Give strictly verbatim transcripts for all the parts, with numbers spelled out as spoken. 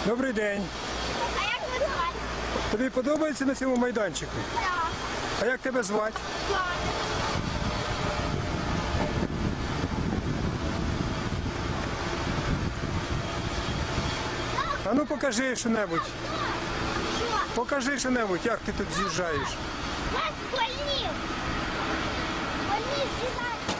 Добрий день. А як ви звати? Тобі подобається на цьому майданчику? Так. А як тебе звати? Так. А ну покажи що-небудь. Що? Покажи що-небудь, як ти тут з'їжджаєш. Нас больнів. Больнів з'їжджають.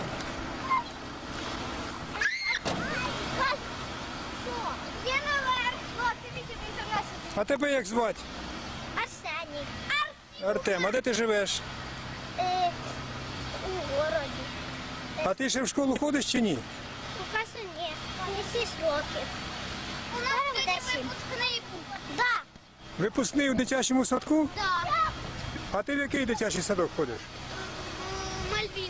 Вас. Що? Є наверх. Хлопці, відійдіть до нас. А тебе як звати? Арсеній. Артем, а де ти живеш? Е, у городі. А ти ще в школу ходиш чи ні? Поки що ні. Не шість років. У нас сьогодні випускний був. Так. Випускний у дитячому садку? Так. А ти в який дитячий садок ходиш? Мальвін.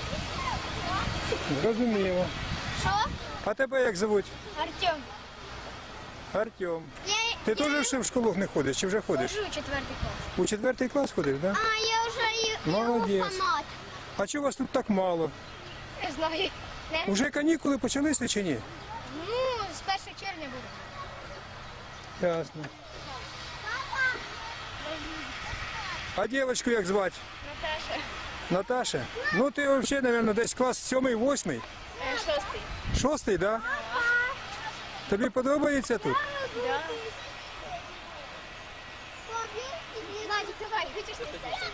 Зрозуміло. Що? А тебе як звуть? Артем. Артем. Я, Ти теж ще в школу не ходиш чи вже ходиш? Хожу у четвертий клас. У четвертий клас ходиш, так? Да? А, я вже і Молодець. фанат. А чого вас тут так мало? Не знаю. Не? Уже канікули почалися чи ні? Ну, з першого червня буде. Ясно. А дівчинку як звати? Наташа. Наташа? Ну ти взагалі, мабуть, десь клас сьомий, восьмий? Шостий. Шостий, так? Да? Тобі подобається тут? Да. Надя, давай, хочеш ти це?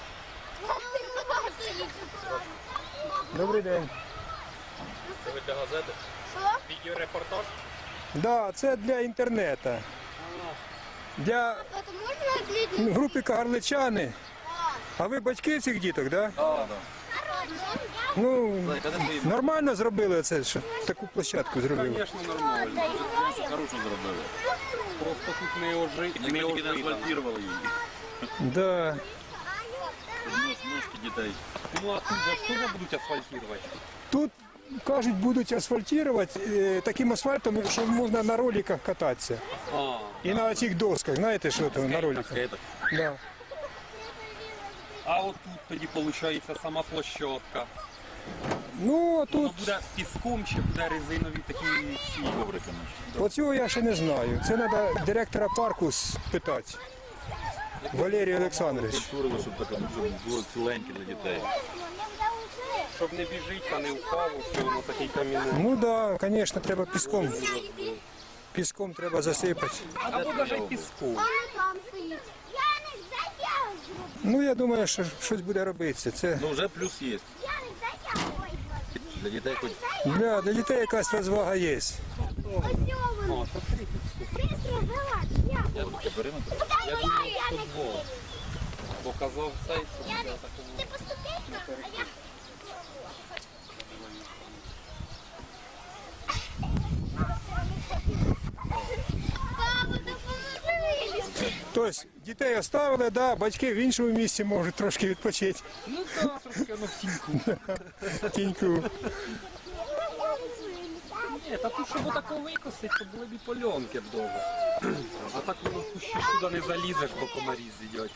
Добрий день. Це ви для газети? Що? Відеорепортаж? Да, це для інтернету. Для Тато, можна з людьми? групи Кагарличани. А ви батьки цих діток, так? Да? Так, Ну, нормально зробили це, що таку площадку зробили. звісно, нормально. Хорошо зробили. Просто тут не ожи, не ожи, не асфальтували її. Да. Ножки дітей. Ну а тут же ж теж будуть асфальтувати? Тут, кажуть, будуть асфальтувати е, таким асфальтом, що можна на роликах кататися. А, І на цих досках, знаєте, що там на роликах? скейтах. Да. А от тут тоді виходить сама площадка. Ну, Воно тут, буде піском чи буде резинові такі ці коврики. оцього я ще не знаю. Це треба директора парку спитати. Валерій Олександрович. Турили, щоб таке, щоб було ціленьке для дітей. Щоб не біжить, та не впало, все воно такий камінний. Ну так, да, звісно, треба піском. Піском треба засипати. Або навіть піском. Вона там стоїть. Я не затягую. Ну, я думаю, що щось буде робитися. Це Ну вже плюс є. Я не затягую. Для дітей хоч для, для дітей якась розвага є. Ось воно. Бистро вилазь. Я. я таке периметр. Я думаю, я не Футбол. Показав цей, що Я буде не. такому. Ти поступи, а я. Папа, допоможи вилізти. Тобто дітей оставили, да, батьки в іншому місці можуть трошки відпочити. Ну так, трошки воно в тіньку. Тіньку. Ні, та тут, щоб отако викосить, то були б і польонки б довго. А так воно в кущі туди не залізеш, бо комарі з'їдять.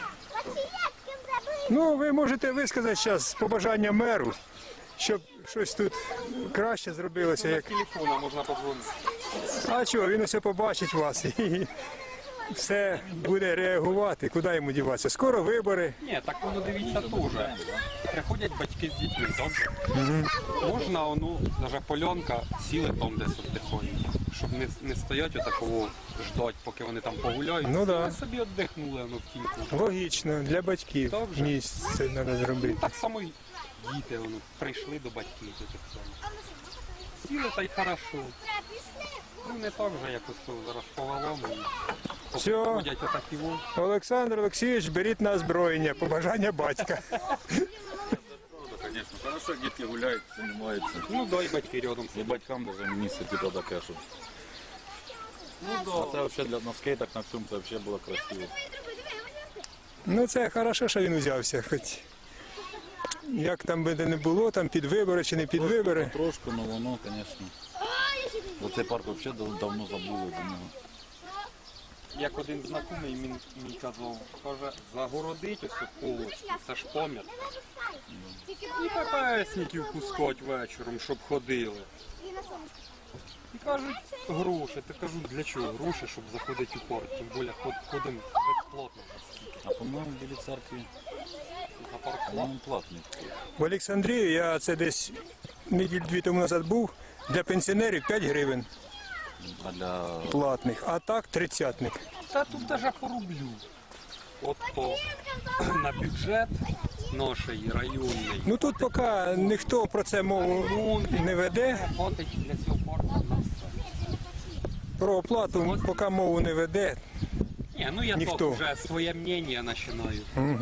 Ну, ви можете висказати зараз побажання меру, щоб щось тут краще зробилося. Як... Телефона можна подзвонити. А чого, він усе побачить вас і все буде реагувати. Куди йому діватися? Скоро вибори. Ні, так воно дивіться теж. Приходять батьки з дітьми, добре? Можна, ну, навіть польонка, сіли там десь от тихонько, щоб не, не стоять отакого ждать, поки вони там погуляють. Ну да. Вони собі віддихнули воно в тіньку. Логічно, для батьків Так же. місце треба зробити. Так само й діти воно, прийшли до батьків до тих самих. Сіли та й хорошо. Ну не так же, як ось то зараз повело. Все. Ходять отакі вон. Олександр Олексійович, беріть на озброєння, побажання батька. Правда, звісно. Хорошо, як дітки гуляють, займаються. Ну дай батьки рядом. І батькам даже місце типу таке, щоб. Ну А це взагалі для на скейтах на всьому це взагалі було красиво. Ну це хорошо, що він узявся, хоч як там би не було, там під вибори чи не під вибори. Трошку, але воно, звісно. Бо цей парк взагалі дав- давно забули за нього. Як один знайомий мій, мій казав, каже, загородить ось полочку, це ж помір. І пепесників пускать вечором, щоб ходили. І кажуть, гроші. Ти кажу, для чого гроші, щоб заходити у порт? Тим більше ход- ходимо безплатно. А по-моєму, в Білій церкві, За парк по-моєму, платний. В Олександрії я це десь неділь дві тому назад був, для пенсіонерів п'ять гривень А для платних, а так тридцятник. Та тут даже по рублю. От по на бюджет нашої районної. Ну тут поки ніхто про це мову не веде, Хватить для цього порту на все. про оплату поки мову не веде. Ні, ну я Ніхто. то вже своє мнення починаю.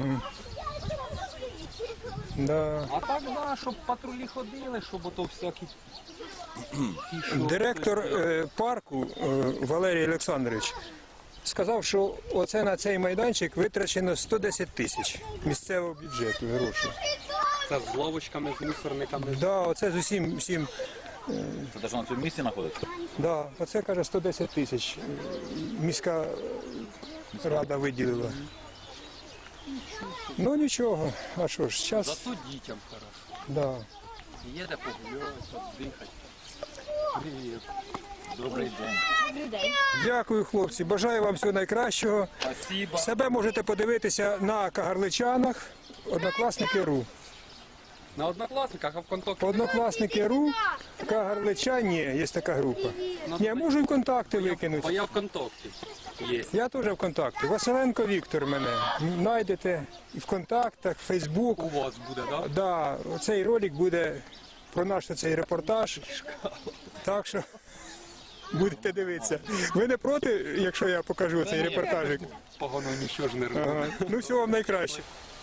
Да. А так, да, щоб патрулі ходили, щоб ото всякі. ті, що- Директор е, парку е, Валерій Олександрович сказав, що оце на цей майданчик витрачено сто десять тисяч місцевого бюджету грошей. Це з ловочками, з мусорниками. Да, оце з усім всім. це те, що на цьому місці знаходиться? Да, оце каже сто десять тисяч. е, Міська рада виділила. Ну нічого, а що ж, час. Зато дітям хорошо. Да. Є де погуляти, віддихати. Привіт. Добрий день. Дякую, хлопці. Бажаю вам всього найкращого. Спасибо. Себе можете подивитися на Кагарличанах, Однокласники.ру. На однокласниках, а в контакті. Однокласники.ру, Кагарличані, є така група. Я можу і контакти Бо викинути. я в контакті. Є. Я теж в контакті. Василенко Віктор мене. Знайдете і в контактах, в Фейсбук. У вас буде, так? Да, цей ролик буде про наш цей репортаж. Так що будете дивитися. Ви не проти, якщо я покажу цей репортажик? Погано нічого ж не робить. Ага. Ну всього вам найкраще.